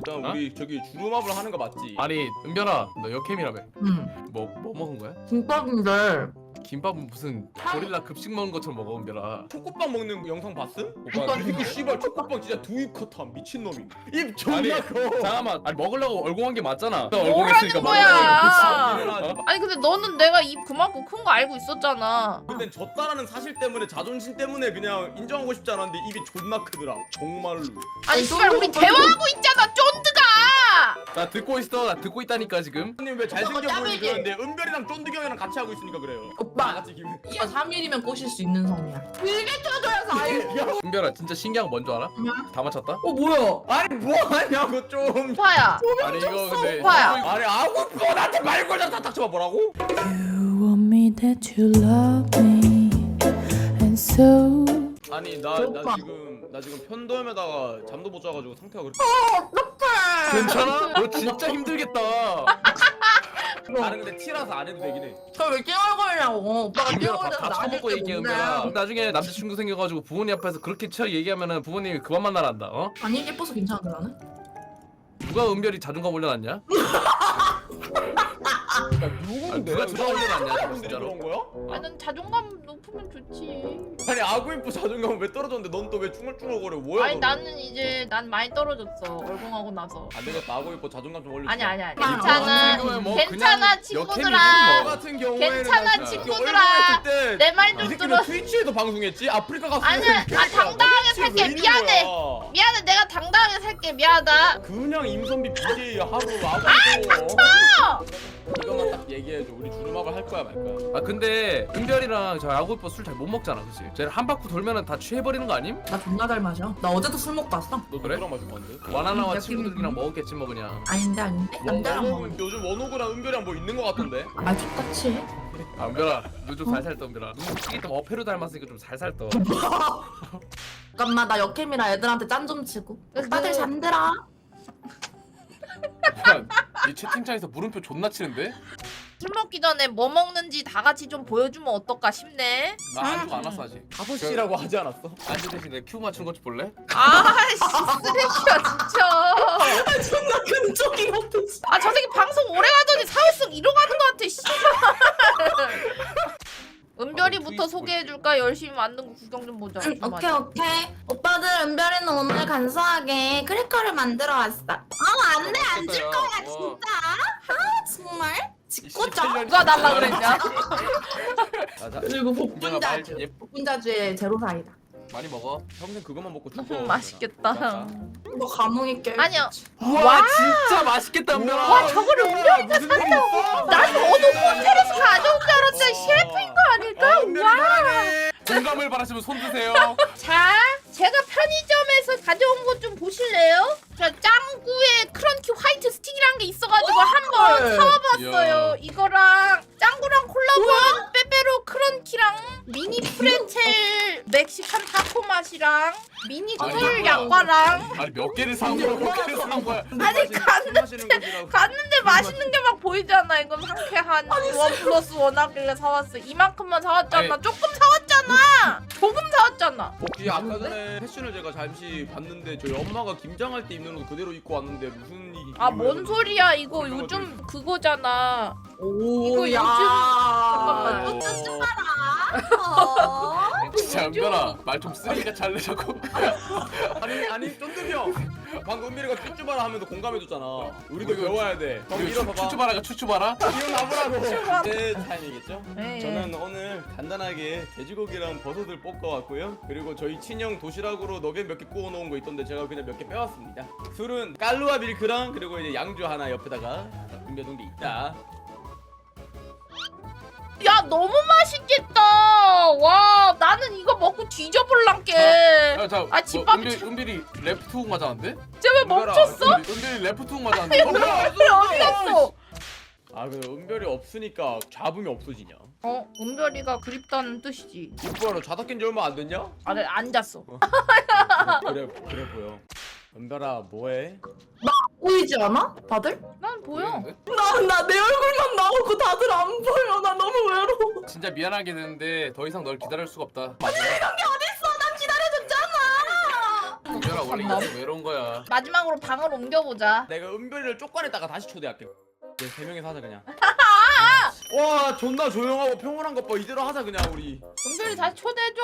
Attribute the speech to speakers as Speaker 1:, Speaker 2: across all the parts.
Speaker 1: 일단
Speaker 2: 어?
Speaker 1: 우리 저기 주름합을 하는 거 맞지?
Speaker 2: 아니 은별아 너 역캠이라며.
Speaker 3: 응.
Speaker 2: 뭐 먹은 거야?
Speaker 3: 김밥인데
Speaker 2: 김밥은 무슨 고릴라 급식 먹는 것처럼 먹어 은별아.
Speaker 1: 초코빵 먹는 영상 봤음?
Speaker 3: 오빠,
Speaker 1: 오빠 이거 씨발 초코빵 진짜 두입 컷한 미친놈이 입 존나
Speaker 2: 아니,
Speaker 1: 커.
Speaker 2: 잠깐만 아니 먹으려고 얼공한 게 맞잖아.
Speaker 4: 뭐라는 거야?
Speaker 1: 아.
Speaker 4: 아니 근데 너는 내가 입 그만큼 큰 거 알고 있었잖아.
Speaker 1: 근데 졌다라는 사실 때문에 자존심 때문에 그냥 인정하고 싶지 않았는데 입이 존나 크더라 정말로.
Speaker 4: 아니 씨발 우리 대화하고 있잖아 쫀드가.
Speaker 2: 나 듣고 있어. 나 듣고 있다니까 지금.
Speaker 1: 형님 왜 잘생겨
Speaker 3: 오빠
Speaker 1: 보이지
Speaker 3: 땀이지?
Speaker 1: 그러는데 은별이랑 쫀득이 형이랑 같이 하고 있으니까 그래요. 다
Speaker 3: 오빠
Speaker 1: 같이 기분.
Speaker 3: 오빠 3일이면 꼬실 수 있는 성이야. 길게 쳐줘야 4일.
Speaker 2: 은별아 진짜 신기한 거 뭔지 알아? 다 맞췄다?
Speaker 3: 뭐야?
Speaker 1: 아니 뭐하냐고 좀.
Speaker 4: 오빠야.
Speaker 2: 아니 이거 근데
Speaker 4: 오빠야.
Speaker 1: 아니 아우 뭐 나한테 말걸자 다 닥쳐봐 뭐라고?
Speaker 5: You want me that you love me, and so
Speaker 1: 아니 나 지금 편도염에다가 잠도 못 자가지고 상태가 그렇게.
Speaker 2: 괜찮아? 너 진짜 힘들겠다.
Speaker 1: 나는 근데 티라서 안 해도 되긴 해.
Speaker 3: 저왜 찡얼거리냐고. 오빠가
Speaker 2: 은별아
Speaker 3: 찡얼거려서
Speaker 2: 다
Speaker 3: 나한테
Speaker 2: 처먹고 얘기해 은별아.
Speaker 3: 뭔데?
Speaker 2: 나중에 남자친구 생겨가지고 부모님 앞에서 그렇게 쳐 얘기하면은 부모님이 그만 만나란다. 어?
Speaker 3: 아니 예뻐서 괜찮은데 나는?
Speaker 2: 누가 은별이 자존감 올려놨냐? 아니, 누가 자존감 올려놨냐 진짜로?
Speaker 1: 그런 거야?
Speaker 4: 아니 난 자존감 높으면 좋지.
Speaker 1: 아니 아구이뽀 자존감은 왜 떨어졌는데 넌 또 왜 중얼중얼거려 뭐야?
Speaker 4: 아니
Speaker 1: 너는?
Speaker 4: 나는 이제 난 많이 떨어졌어 얼공하고 나서.
Speaker 1: 안 되겠다 아구이뽀 자존감 좀 올려.
Speaker 4: 아니
Speaker 3: 아니,
Speaker 4: 괜찮아.
Speaker 2: 뭐
Speaker 4: 괜찮아
Speaker 2: 그냥
Speaker 4: 친구들아.
Speaker 2: 역캠이지 뭐.
Speaker 1: 같은 경우에는
Speaker 4: 괜찮아,
Speaker 1: 나 진짜
Speaker 4: 친구들아.
Speaker 1: 얼굴 했을 때
Speaker 4: 내 말
Speaker 1: 이
Speaker 4: 좀
Speaker 1: 새끼는
Speaker 4: 들어.
Speaker 1: 트위치에도 방송했지? 아프리카 갔을
Speaker 4: 아니야,
Speaker 1: 때
Speaker 4: 아, 당당하게 살게. 미안해. 미안해 내가 당당하게 살게 미안하다.
Speaker 1: 그냥 임선비 BJ 하루 아구이뽀 이것만 딱 얘기해줘. 우리 주름합을 할 거야 말 거야?
Speaker 2: 아 근데 은별이랑 저 야구이뻐 술 잘 못 먹잖아 그치? 쟤는 한 바퀴 돌면은 다 취해버리는 거 아님?
Speaker 3: 나 존나 잘 마셔. 나 어제도 술 먹고 왔어.
Speaker 1: 너
Speaker 2: 그래?
Speaker 1: 누구랑 마실 건데?
Speaker 2: 와나나와
Speaker 3: 역캠이-
Speaker 2: 친구들이랑 먹었겠지 뭐 그냥.
Speaker 3: 아닌데 남자랑 먹어.
Speaker 1: 요즘 원호구랑 은별이랑 뭐 있는 거 같던데?
Speaker 3: 아 똑같이.
Speaker 2: 아 은별아 너 좀 살살 떠 은별아. 눈 찌기 좀 어패로 닮았으니까 좀 살살 떠.
Speaker 3: 잠깐만 나 역캠이라 애들한테 짠 좀 치고. 오빠들 잠들어.
Speaker 2: 이 채팅창에서 물음표 존나 치는데?
Speaker 4: 술 먹기 전에 뭐 먹는지 다 같이 좀 보여주면 어떨까 싶네.
Speaker 2: 나 안주 안 왔어 아직.
Speaker 1: 5시라고 하지 않았어?
Speaker 2: 안주 대신 내 큐 맞춘 것 좀 볼래?
Speaker 4: 아씨 쓰레기야 진짜.
Speaker 3: 존나 끈적이 같아.
Speaker 4: 아 저 새끼 방송 오래 가더니 사회성 잃어가는 것 같아 씨. 은별이부터 소개해줄까? 열심히 만든 거 구경 좀 보자.
Speaker 3: 오케이. 오빠들 은별이는 오늘 간소하게 크래커를 만들어 왔어. 안돼 안 줄 거야 진짜. 정말? 짓궂죠?
Speaker 4: 누가 달라 그랬냐?
Speaker 3: 그리고 복분자주.
Speaker 2: 예,
Speaker 3: 복분자주의 제로사이다.
Speaker 2: 많이 먹어.
Speaker 1: 평생 그것만 먹고 죽어.
Speaker 4: 맛있겠다.
Speaker 3: 너 감흥 있게.
Speaker 4: 아니야.
Speaker 2: 와 진짜 맛있겠다 은별아.
Speaker 4: 와 저거를 은별이가 산다고? 난 어느 호텔에서 가져온 줄 알았더니 셰프인 거 아닐까? 와.
Speaker 2: 공감을 바라시면 손 드세요.
Speaker 4: 자, 제가 편의점에서 가져온 것 좀 보실래요? 자, 짱구의 크런키 화이트 스틱이란 게 있어가지고 한번 사와봤어요.
Speaker 2: 이야.
Speaker 4: 이거랑 짱구랑 콜라보한 빼빼로 크런키랑 미니 프레첼 멕시칸 타코 맛이랑 미니
Speaker 2: 아니,
Speaker 4: 꿀
Speaker 2: 뭐야.
Speaker 4: 약과랑
Speaker 2: 아니 몇 개를 산 거야? 몇 개를 산 거야?
Speaker 4: 아니 갔는데 맛있는 게 막 보이잖아. 이건 상쾌한 원 플러스 원 하길래 사왔어. 이만큼만 사왔잖아.
Speaker 2: 아니.
Speaker 4: 조금 사왔잖아. 조금 사왔잖아.
Speaker 1: 혹시 아까 전에 패션을 제가 잠시 봤는데 저희 엄마가 김장할 때 입는 옷 그대로 입고 왔는데 무슨 일이?
Speaker 4: 아 뭔 소리야 이거 요즘 그거잖아.
Speaker 3: 오,
Speaker 4: 이거
Speaker 3: 야.
Speaker 4: 잠깐만.
Speaker 1: 어...
Speaker 2: 진짜 은별아 말 좀 쓰레기가 잘내 자꾸.
Speaker 1: 아니 쫀득이 형 방금 은별이가 쭈쭈바라 하면서 공감해줬잖아. 우리도 배워야 돼. 형 일어서봐.
Speaker 2: 추추바라가 추추바라?
Speaker 1: 일어나보라고. 제 타임이겠죠?
Speaker 4: 네.
Speaker 1: 저는 오늘 간단하게 돼지고기랑 버섯을 볶아왔고요. 그리고 저희 친형 도시락으로 너겟 몇 개 구워놓은 거 있던데 제가 그냥 몇 개 빼왔습니다. 술은 깔루아 밀크랑 그리고 이제 양주 하나 옆에다가 준비해둔 게 있다.
Speaker 4: 야 너무 맛있겠다. 와 나는 이거 먹고 뒤져볼란게. 아, 집밥이
Speaker 2: 은별이 레프트 훅 맞았는데?
Speaker 4: 쟤왜 멈췄어?
Speaker 2: 은별이 레프트 훅 맞았는데?
Speaker 4: 은별이 어디 갔어?
Speaker 1: 아 그 은별이 없으니까 잡음이 없어지냐?
Speaker 4: 은별이가 그립다는 뜻이지.
Speaker 1: 이뻐로 자다 깬 지 얼마 안 됐냐?
Speaker 4: 아 앉았어.
Speaker 1: 그래 보여. 은별아 뭐해?
Speaker 3: 보이지 않아? 다들?
Speaker 4: 난 보여.
Speaker 3: 나 내 얼굴만 나오고 다들 안 보여. 나 너무 외로워.
Speaker 2: 진짜 미안하게 되는데 더 이상 널 기다릴 수가 없다.
Speaker 3: 이런 게 어딨어? 난 기다려줬잖아.
Speaker 2: 은별아 원래 이게 왜 이런 거야?
Speaker 4: 마지막으로 방을 옮겨보자.
Speaker 1: 내가 은별이를 쫓아냈다가 다시 초대할게. 이제 3명이서 하자 그냥. 와 존나 조용하고 평온한 것 봐. 이대로 하자 그냥 우리.
Speaker 4: 은별이 다시 초대해줘.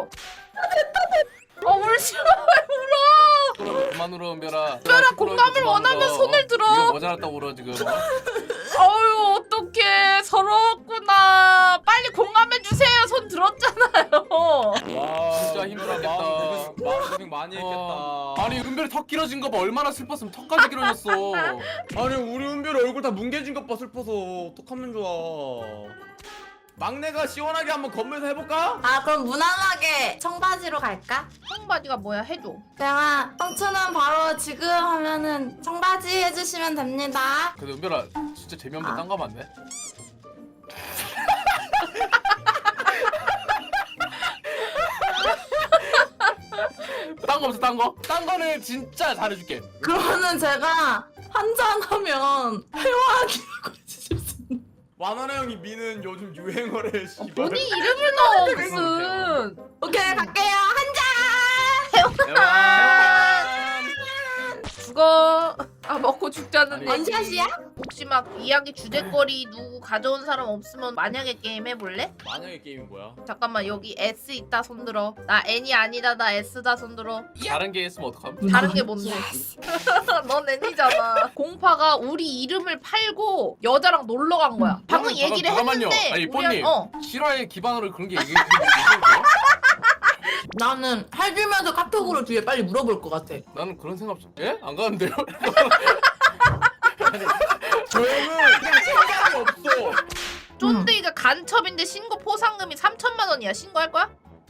Speaker 4: 울지 마, 왜 울어?
Speaker 2: 그만 울어 은별아.
Speaker 4: 은별아, 공감을 원하면 손을 들어.
Speaker 2: 이거 모자랐다고 울어 지금.
Speaker 4: 어휴, 어떡해. 서러웠구나. 빨리 공감해주세요. 손 들었잖아요.
Speaker 1: 와
Speaker 2: 진짜 힘들었겠다.
Speaker 1: 마음 고생 많이 했겠다.
Speaker 2: 아니 은별이 턱 길어진 거 봐. 얼마나 슬펐으면 턱까지 길어졌어.
Speaker 1: 아니 우리 은별이 얼굴 다 뭉개진 것 봐 슬퍼서 어떡하면 좋아. 막내가 시원하게 한번 건물에서 해볼까?
Speaker 3: 아 그럼 무난하게 청바지로 갈까?
Speaker 4: 청바지가 뭐야? 해줘.
Speaker 3: 내가 청춘은 바로 지금 하면은 청바지 해주시면 됩니다.
Speaker 2: 근데 은별아 진짜 재미없는 딴 거 하면 안 돼? 딴 거 없어 딴 거? 딴 거는 진짜 잘해줄게.
Speaker 3: 그러면은 제가 한잔하면 회화하기라고 해주실 수 있나요?
Speaker 1: 와나나 형이 미는 요즘 유행어래 씨발.
Speaker 4: 본인 이름을 넣어 무슨.
Speaker 3: 오케이 갈게요 한잔.
Speaker 4: 죽어. 아 먹고 죽자는
Speaker 3: 아니,
Speaker 4: 얘기.
Speaker 3: 원샷이야?
Speaker 4: 혹시 막 이야기 주제거리 누구 가져온 사람 없으면 만약에 게임 해볼래?
Speaker 1: 만약에 게임이 뭐야?
Speaker 4: 잠깐만 여기 S 있다 손들어. 나 N이 아니다 나 S다 손들어.
Speaker 2: 다른 게 있으면 어떡함?
Speaker 4: 다른 게 뭔데? 넌 N이잖아. 공파가 우리 이름을 팔고 여자랑 놀러 간 거야. 방금 얘기를
Speaker 2: 잠깐만요.
Speaker 4: 했는데
Speaker 2: 아니
Speaker 4: 우리랑-
Speaker 2: 뽀님 실화의 기반으로 그런 게 얘기해 주는 거야?
Speaker 3: 나는 해주면서 카톡으로 뒤에 빨리 물어볼 것 같아.
Speaker 2: 나는 그런 생각 없어. 예? 안 가는데요?
Speaker 1: 저 형은 그냥 생각이 없어.
Speaker 4: 쫀득이가 간첩인데 신고 포상금이 3천만 원이야. 신고할 거야?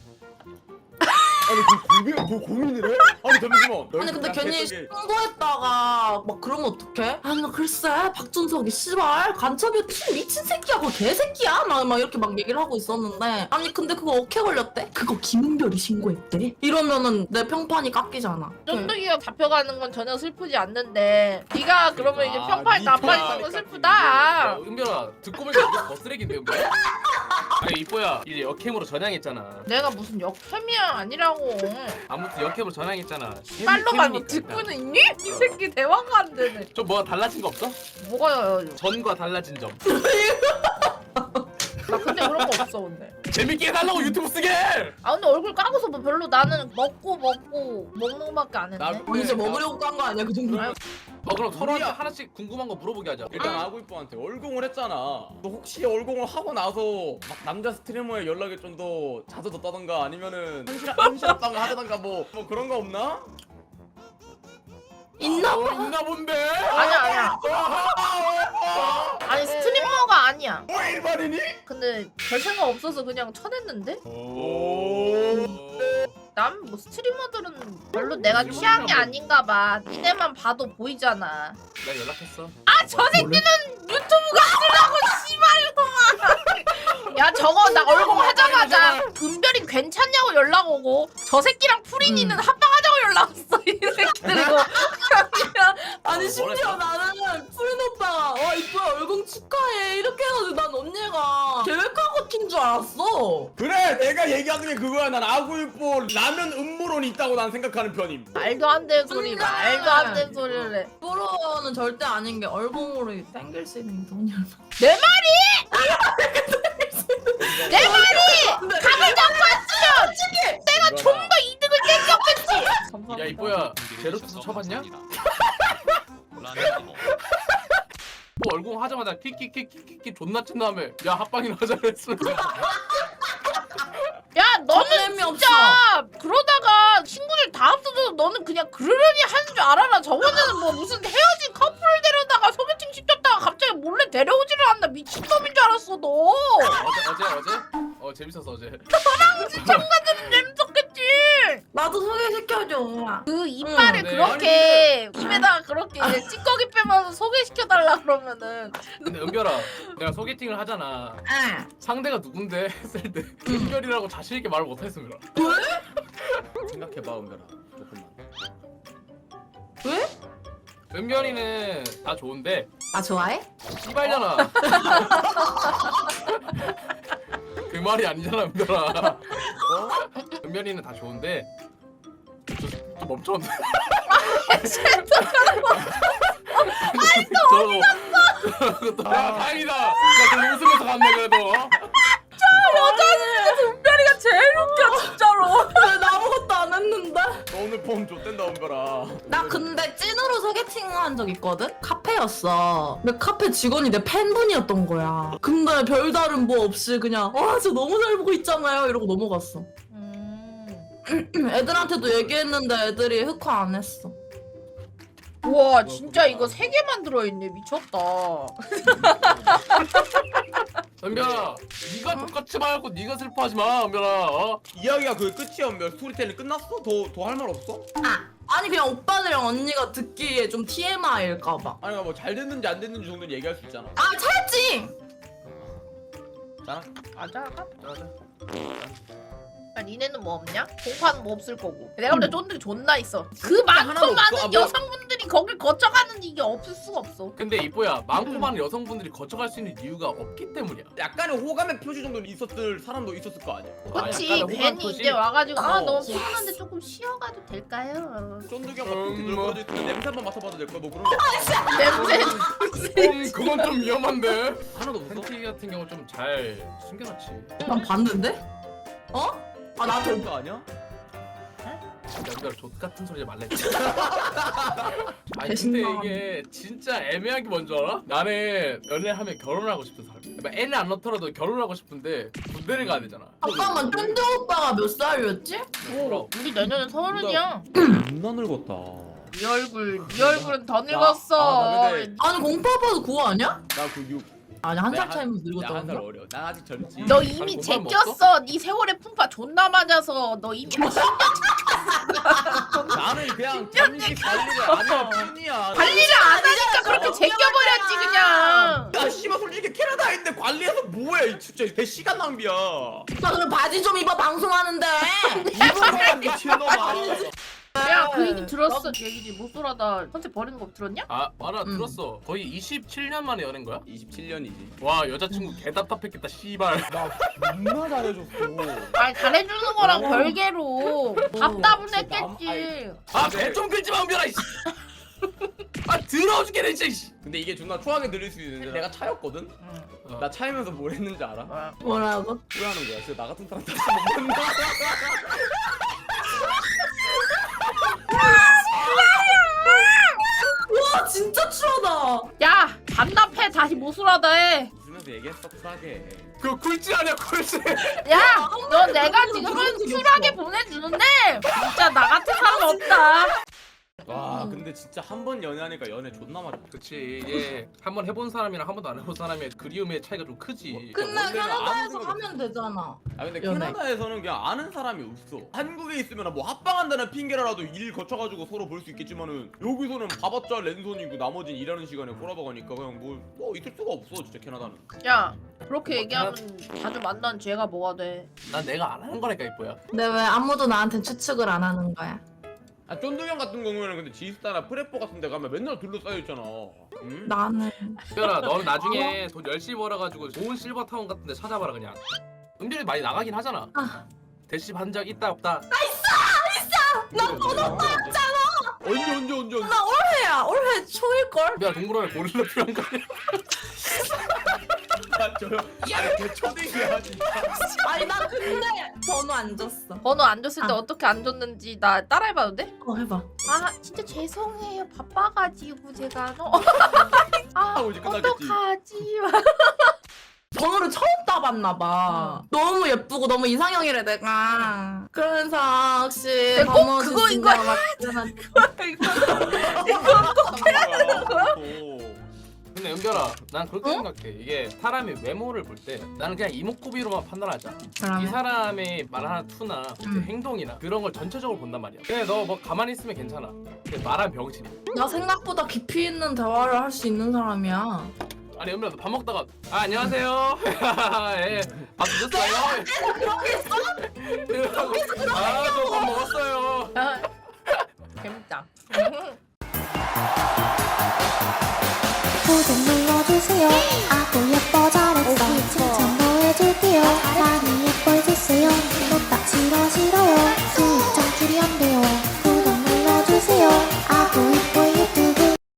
Speaker 1: 아니 그 고민을 해? 아니 잠시만.
Speaker 3: 아니 근데 괜히 신고했다가 막 그러면 어떡해? 아니 나 글쎄 박준석이 씨발 간첩이 미친 새끼야 그거 개새끼야 막 이렇게 막 얘기를 하고 있었는데 아니 근데 그거 어케 걸렸대? 그거 김은별이 신고했대? 이러면은 내 평판이 깎이잖아.
Speaker 4: 쫀득이가 잡혀가는 건 전혀 슬프지 않는데 네가 그러면 이제
Speaker 1: 아,
Speaker 4: 평판이
Speaker 1: 네
Speaker 4: 나빠지는 건
Speaker 1: 평판이
Speaker 4: 슬프다.
Speaker 2: 은별아 듣고 보니까 이게 더 쓰레기인데 은별아? 아니 이뻐야 이제 역캠으로 전향했잖아.
Speaker 4: 내가 무슨 역캠이야 아니라고.
Speaker 2: 아무튼 역캠으로 전향했잖아.
Speaker 4: 빨로 말고
Speaker 2: 캠이니까.
Speaker 4: 듣고는 있니? 이 새끼 대화가 안 되네.
Speaker 2: 좀 뭐가 달라진 거 없어?
Speaker 4: 뭐가
Speaker 2: 전과 달라진 점.
Speaker 4: 나 근데 그런 거 없어 근데.
Speaker 2: 재밌게 해달라고 유튜브 쓰게!
Speaker 4: 아 근데 얼굴 까고서 뭐 별로 나는 먹고 먹는 거밖에 안 했네.
Speaker 3: 아니 이제 먹으려고 깐 거 아니야 그 정도면?
Speaker 2: 그럼 서로한테
Speaker 1: 우리야.
Speaker 2: 하나씩 궁금한 거 물어보게 하자.
Speaker 1: 일단 아구이뽀한테 얼공을 했잖아. 너 혹시 얼공을 하고 나서 막 남자 스트리머의 연락이 좀 더 자주 뒀다던가 아니면은 한시합방을 하다던가 뭐 그런 거 없나?
Speaker 3: 있나?
Speaker 2: 있나 본데?
Speaker 4: 아니야. 아니 스트리머가 아니야.
Speaker 1: 뭐 일반인이?
Speaker 4: 근데 별 생각 없어서 그냥 쳐냈는데? 난 뭐 스트리머들은 별로 내가 취향이 아닌가 봐. 니네만 봐도 보이잖아.
Speaker 2: 나 연락했어.
Speaker 4: 아 저 새끼는 유튜브가 쓰라고 씨발놈아. 야 저거 나 얼공 하자마자 은별이 괜찮냐고 연락 오고 저 새끼랑 프린이는 합방하자고 연락 왔어 이 새끼들 이거.
Speaker 3: 아니 심지어 나는 푸린 오빠가 와 이뻐야 얼공 축하해 이렇게 해가지고 난 언니가 계획하고 튄 줄 알았어.
Speaker 1: 그래 내가 얘기하는 게 그거야. 난 아구이뽀 라면 음모론이 있다고 난 생각하는 편임.
Speaker 4: 말도 안 되는 소리 말도 안 되는 소리를 해.
Speaker 3: 프로는 절대 아닌 게 얼공으로 땡길 수 있는 돈이 얼마?
Speaker 4: 내 말이 감을 잡고 왔으면 내가 좀 더 이득을 땡겼겠지.
Speaker 2: 야 이뻐야 제로투스 쳐봤냐? 뭐 얼굴 하자마자 키키키키키 존나 친 다음에 야 합방이나 하자 그랬어.
Speaker 4: 야 너는
Speaker 3: 설렘이
Speaker 4: 진짜 그러다가 친구들 다 없어져서 너는 그냥 그러려니 하는 줄 알아라. 저번에는 뭐 무슨 헤어진 커플을 데려다가 소개팅 시켰다가 갑자기 몰래 데려오지를 않나. 미친놈인 줄 알았어 너.
Speaker 2: 어제? 재밌었어 어제.
Speaker 4: 시청자들은 재밌었겠지.
Speaker 3: 나도 소개시켜줘.
Speaker 4: 그 이빨을
Speaker 2: 네.
Speaker 4: 그렇게 입에다가 그렇게 이제 찌꺼기 빼면서 소개시켜달라 그러면은
Speaker 2: 근데 은별아 내가 소개팅을 하잖아.
Speaker 3: 응.
Speaker 2: 상대가 누군데 했을 때 은별이라고 자신 있게 말을 못했어 은별아.
Speaker 1: 생각해봐 은별아 조금만.
Speaker 3: 왜?
Speaker 2: 은별이는 다 좋은데
Speaker 3: 나 좋아해?
Speaker 2: 씨발잖아. 그 말이 아니잖아 은별아. 은별이는 다 좋은데 좀 다 멈췄는데.
Speaker 4: 너 어디
Speaker 2: 갔어? 야 다행이다. 야 그럼 웃으면서 갔네 그래도.
Speaker 4: 여자는 은별이가 제일 웃겨 진짜로.
Speaker 3: 나 아무것도 안 했는데.
Speaker 1: 너 오늘 폼 좆된다 은별아.
Speaker 3: 나 근데 찐으로 소개팅한 적 있거든? 카페였어. 근데 카페 직원이 내 팬분이었던 거야. 근데 별다른 뭐 없이 그냥 저 너무 잘 보고 있잖아요 이러고 넘어갔어. 애들한테도 얘기했는데 애들이 흑화 안 했어.
Speaker 4: 와 진짜 이거 3개만 들어있네. 미쳤다.
Speaker 2: 은별아, 네가 똑같이 말고 네가 슬퍼하지 마, 은별아. 어?
Speaker 1: 이야기가 그게 끝이야 은별. 스토리텔링 끝났어? 더 할 말 없어?
Speaker 3: 아니 그냥 오빠들이랑 언니가 듣기에 좀 TMI일까봐.
Speaker 1: 아니 뭐 잘 됐는지 안 됐는지 정도는 얘기할 수 있잖아.
Speaker 3: 잘했지!
Speaker 1: 자,
Speaker 4: 맞아.
Speaker 2: 자자.
Speaker 4: 아, 니네는 뭐 없냐? 공파는 뭐 없을 거고. 내가 볼 때 쫀득이 존나 있어. 그
Speaker 1: 하나도
Speaker 4: 많고
Speaker 1: 없어.
Speaker 4: 많은
Speaker 1: 아, 뭐야.
Speaker 4: 여성분들이 거길 거쳐가는 이게 없을 수가 없어.
Speaker 2: 근데 이뽀야, 많고 많은 여성분들이 거쳐갈 수 있는 이유가 없기 때문이야.
Speaker 1: 약간의 호감의 표시 정도는 있었을 사람도 있었을 거 아니야.
Speaker 4: 그치.
Speaker 2: 약간의
Speaker 4: 괜히
Speaker 2: 호감 표시?
Speaker 4: 이제 와가지고
Speaker 1: 어.
Speaker 4: 너무 피곤한데 조금 쉬어가도 될까요?
Speaker 1: 쫀득이 형 같은 게
Speaker 2: 뭐.
Speaker 1: 들어가져 있으면 냄새 한번 맡아봐도 될 거야. 뭐 그런 거
Speaker 4: 냄새.
Speaker 2: 그건 좀 위험한데.
Speaker 1: 하나도 없어?
Speaker 2: 팬티 같은 경우 좀 잘 숨겨놨지.
Speaker 3: 난 봤는데? 어? 나한테
Speaker 1: 그런 거 아니야?
Speaker 2: 연결 족 같은 소리 말랬지. 아니 근데
Speaker 3: 배신당하네.
Speaker 2: 이게 진짜 애매한 게 뭔지 알아? 나는 연애하면 결혼하고 싶은 사람. 그러니까 애는 안 넣더라도 결혼하고 싶은데 군대를 가야 되잖아.
Speaker 3: 잠깐만 쫀득 오빠가 몇 살이었지?
Speaker 4: 오, 우리 내년에 30이야.
Speaker 1: 존나 늙었다.
Speaker 4: 네 얼굴은 더 늙었어.
Speaker 1: 나 근데-
Speaker 3: 아니 공파 오빠도 그거 아니야?
Speaker 1: 나그 6.
Speaker 3: 아니 한 살 차이면 늙었다고.
Speaker 1: 나한살 어려. 난 아직 젊지.
Speaker 4: 너
Speaker 2: 아니,
Speaker 4: 이미
Speaker 2: 공부하면
Speaker 4: 제꼈어. 네 세월의 풍파 존나 맞아서 너 이미
Speaker 1: 나는 그냥 잠시 관리를 안 할 뿐이야.
Speaker 4: 관리를 안 하니까 그렇게 제껴버렸지 그냥.
Speaker 1: 야 씨발 솔직히 캐나다에 있는데 관리해서 뭐해? 진짜 내 시간 낭비야.
Speaker 3: 오빠 그럼 바지 좀 입어 방송하는데.
Speaker 1: 이거만 미친놈아.
Speaker 4: 야 그 얘기 들었어. 얘기지 못쏠하다 컨셉 버리는 거 들었냐?
Speaker 2: 아 말아 들었어. 거의 27년 만에 연애인 거야?
Speaker 1: 27년이지.
Speaker 2: 와 여자친구 개 답답했겠다 씨발.
Speaker 1: 나 존나 잘해줬어.
Speaker 4: 아니 잘해주는 거랑 별개로 답답은
Speaker 1: 진짜
Speaker 4: 했겠지.
Speaker 2: 아배 좀 긁지 마 은별아. 이씨. 아 더러워 죽겠네 진짜. 이씨.
Speaker 1: 근데 이게 존나 초하게 들릴 수 있는데 내가 차였거든?
Speaker 2: 어.
Speaker 1: 나 차이면서 뭘 했는지 알아?
Speaker 3: 뭐라고?
Speaker 1: 후회하는 거야. 진짜 나 같은 사람 다시 못 만나.
Speaker 3: 와 진짜 추하다.
Speaker 4: 야 반납해 다시 못쏠하다 해.
Speaker 1: 웃으면서 얘기했어 쿨하게.
Speaker 2: 그거 굴지 아니야 굴지.
Speaker 4: 야 너 내가
Speaker 3: 그런
Speaker 4: 지금은
Speaker 3: 적이
Speaker 4: 쿨하게
Speaker 3: 없어.
Speaker 4: 보내주는데 진짜 나 같은 사람 없다.
Speaker 1: 와 근데 진짜 한 번 연애하니까 연애 존나 많이.
Speaker 2: 그치 이게 한번 해본 사람이랑 한 번도 안 해본 사람의 그리움의 차이가 좀 크지.
Speaker 3: 근데
Speaker 1: 원래는 아무
Speaker 3: 캐나다에서
Speaker 1: 생각
Speaker 3: 하면 되잖아.
Speaker 1: 아 근데
Speaker 3: 연애.
Speaker 1: 캐나다에서는 그냥 아는 사람이 없어. 한국에 있으면 뭐 합방한다는 핑계라도 일 거쳐가지고 서로 볼 수 있겠지만은 여기서는 봐봤자 랜선이고 나머진 일하는 시간에 꼬라박으니까 그냥 뭐 있을 수가 없어 진짜 캐나다는.
Speaker 4: 야 그렇게 얘기하면 자주 만난 죄가 뭐가 돼?
Speaker 2: 난 내가 안 하는 거니까 이뻐야.
Speaker 3: 근데 왜 아무도 나한테 추측을 안 하는 거야?
Speaker 1: 아 쫀득형 같은 경우에는 근데 지스타나 프레포 같은 데 가면 맨날 둘러싸여 있잖아. 응?
Speaker 3: 나는
Speaker 2: 은별아 너는 나중에 돈 열심히 벌어가지고 좋은 실버타운 같은 데 찾아봐라 그냥. 은별이 많이 나가긴 하잖아. 대시 반 적 있다 없다.
Speaker 3: 나 번호
Speaker 1: 따였잖아. 언제.
Speaker 3: 나 올해야 올해 초일걸?
Speaker 2: 은별아 동물원에 고릴라 필요한 거 아니야?
Speaker 1: 아 저요. 아니 걔 초딩이야 진짜.
Speaker 3: 아니 나 근데 번호 안 줬어.
Speaker 4: 번호 안 줬을 때
Speaker 3: 아.
Speaker 4: 어떻게 안 줬는지 나 따라해봐도 돼?
Speaker 3: 해봐.
Speaker 4: 아 진짜 죄송해요 바빠가지고 제가 아
Speaker 1: 하고 이제 끝나겠지.
Speaker 4: 어떡하지?
Speaker 3: 번호를 처음 따봤나 봐. 너무 예쁘고 너무 이상형이래 내가. 그래서 혹시
Speaker 4: 꼭
Speaker 3: 번호
Speaker 4: 그거
Speaker 3: 주신
Speaker 4: 이거
Speaker 3: 적 맞으면
Speaker 2: 근데 은별아 난 그렇게 생각해. 이게 사람의 외모를 볼 때 나는 그냥 이목구비로만 판단하자. 이
Speaker 3: 그러면
Speaker 2: 사람의 말하는 투나 이제 행동이나 그런 걸 전체적으로 본단 말이야. 근데 너 뭐 가만히 있으면 괜찮아. 근데 말하면 병신이야.
Speaker 3: 나 생각보다 깊이 있는 대화를 할 수 있는 사람이야.
Speaker 2: 아니 은별아 너 밥 먹다가 아 안녕하세요. 예. 밥 드셨어요?
Speaker 3: 그렇게 써?
Speaker 2: 아저 밥 먹었어요.
Speaker 4: 재밌다.
Speaker 5: 고정